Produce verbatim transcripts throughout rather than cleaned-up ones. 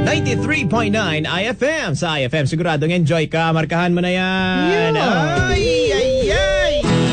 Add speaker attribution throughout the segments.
Speaker 1: ninety-three point nine I F M. Sa I F M, siguradong enjoy ka. Markahan mo na yan.
Speaker 2: Yeah.
Speaker 1: Ay, ay, ay.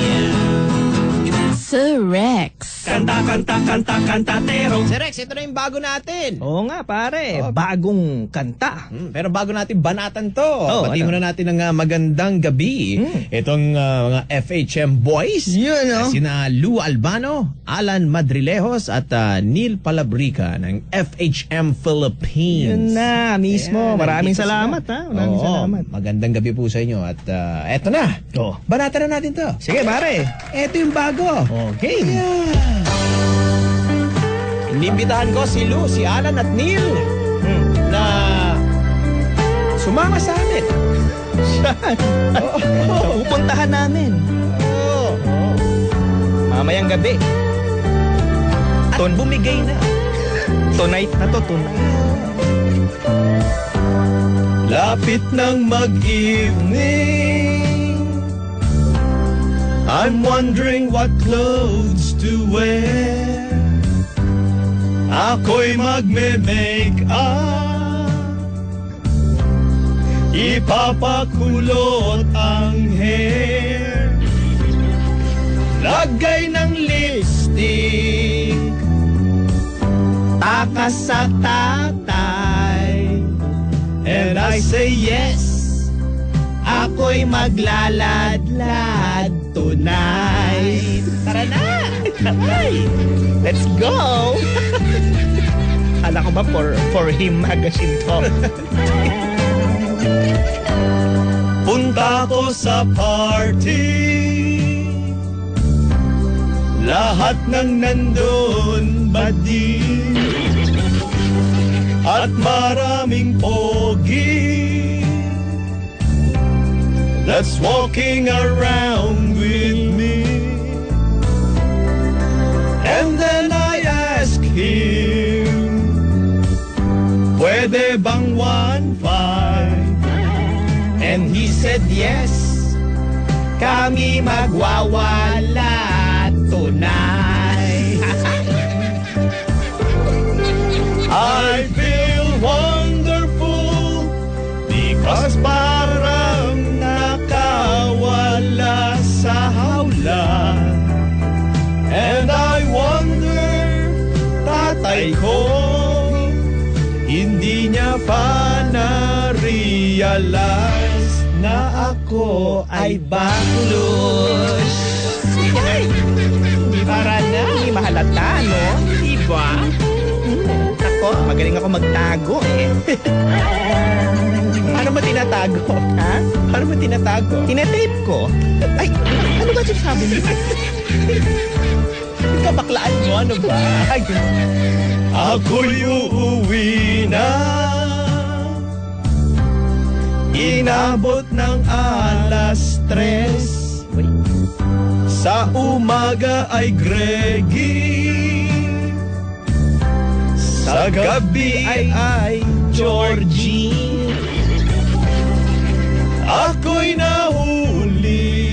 Speaker 2: Sir Rex.
Speaker 3: Kanta, kanta, kanta, kantatero.
Speaker 1: Sir Rex, ito na yung bago natin.
Speaker 3: Oo nga pare,
Speaker 1: Oh.
Speaker 3: bagong kanta.
Speaker 1: Hmm, pero bago natin banatan to,
Speaker 3: Oh,
Speaker 1: pati
Speaker 3: ano?
Speaker 1: muna natin ng uh, magandang gabi.
Speaker 3: Hmm.
Speaker 1: Itong uh, mga F H M boys.
Speaker 3: Yun,
Speaker 1: Uh,
Speaker 3: no?
Speaker 1: sina Lou Albano, Alan Madrilejos at uh, Neil Palabrica ng F H M Philippines.
Speaker 3: Yun na, mismo.
Speaker 1: Ayan,
Speaker 3: Maraming
Speaker 1: nandito
Speaker 3: salamat,
Speaker 1: sila.
Speaker 3: ha? Maraming
Speaker 1: Oo,
Speaker 3: salamat.
Speaker 1: Magandang gabi po sa inyo. At uh, eto na.
Speaker 3: Oh.
Speaker 1: Banatan na natin to.
Speaker 3: Sige pare.
Speaker 1: Eto yung bago.
Speaker 3: Okay.
Speaker 1: Yeah. Inimbitahan ko si Lou, si Alan at Neil
Speaker 3: Hmm.
Speaker 1: na sumama sa amin.
Speaker 3: Saan?
Speaker 1: Oo.
Speaker 3: Pupuntahan namin.
Speaker 1: Oo.
Speaker 3: Mamayang gabi.
Speaker 1: At bumigay na.
Speaker 3: Tonight na to, tonight.
Speaker 1: Lapit ng mag-evening, I'm wondering what clothes to wear. Ako'y magme-make up, ipapakulot ang hair, lagay ng lipstick, takas sa tatay. And I say yes, ako'y maglaladlad tonight. Tara na!
Speaker 3: Ay, let's go! Kala ko ba for, for him magazine to?
Speaker 1: Punta ko sa party, lahat ng nandun badi, at maraming pogi that's walking around with me. And then I ask him, pwede bang one five? And he said yes, kami magwawala tonight. I feel wonderful because parang nakawala sa hawla. And I wonder, tatay ko, hindi niya pa na-realize na ako ay baklos.
Speaker 3: Ay, hindi para na. Hindi mahalata, no?
Speaker 1: Diba?
Speaker 3: Hmm. Ako, magaling ako magtago eh.
Speaker 1: Paano mo tinatago?
Speaker 3: Ha?
Speaker 1: Paano mo tinatago?
Speaker 3: Tinetape ko. Ay, ano ba sinasabi mo?
Speaker 1: Kabaklaan mo, ano ba? Ay, ako'y uuwi na, inabot ng alas tres, sa umaga ay Greggy, sa gabi ay, ay Georgie. Ako'y nahuli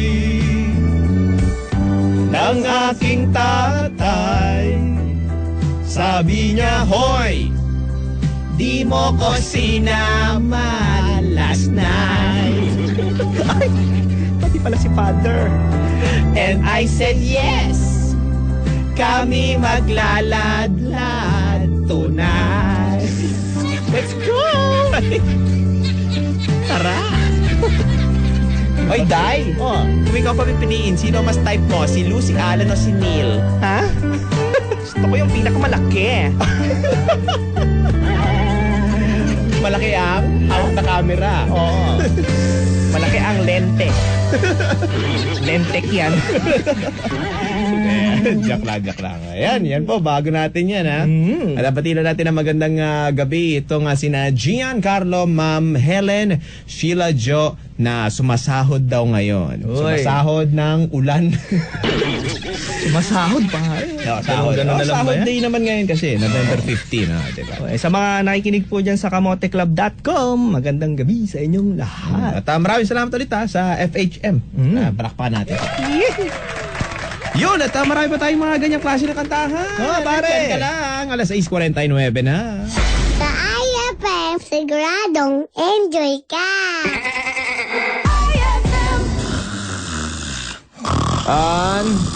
Speaker 1: ng aking tatay. Sabi niya, hoy, di mo ko sinama last night.
Speaker 3: Ay, pati pala si father.
Speaker 1: And I said yes, kami maglaladlad tonight. Let's go! Tara! Oy, Day!
Speaker 3: Oh,
Speaker 1: Kung ikaw pa pipiliin, sino mas type mo? Si Lou, si Alan o si Neil?
Speaker 3: ha? Gusto ko yung pinakamalaki.
Speaker 1: Malaki ang out na camera.
Speaker 3: Oo. Malaki ang lente. Lentek yan.
Speaker 1: Jack lang, jack lang. Ayan, yan po, bago natin yan, ha?
Speaker 3: Mm.
Speaker 1: At napatila natin ang magandang uh, gabi. Ito nga sina Giancarlo, Ma'am Helen, Sheila Jo, na sumasahod daw ngayon.
Speaker 3: Uy.
Speaker 1: Sumasahod ng ulan.
Speaker 3: Masahod pa.
Speaker 1: No, sahod.
Speaker 3: Ganun
Speaker 1: Oh,
Speaker 3: na lang ba
Speaker 1: sahod
Speaker 3: yan?
Speaker 1: day naman ngayon kasi, November fifteenth, ha? Diba?
Speaker 3: Okay, sa mga nakikinig po dyan sa kamote club dot com, magandang gabi sa inyong lahat.
Speaker 1: At uh, maraming salamat ulit, ha, sa F H M.
Speaker 3: Mm.
Speaker 1: Uh, palakpakan natin. Yun, at uh, marami pa tayong mga ganyang klase na kantahan.
Speaker 3: Oh, pare.
Speaker 1: Diyan ka lang, alas sais forty-nine na.
Speaker 4: Sa I F
Speaker 2: F M, siguradong enjoy ka!
Speaker 1: On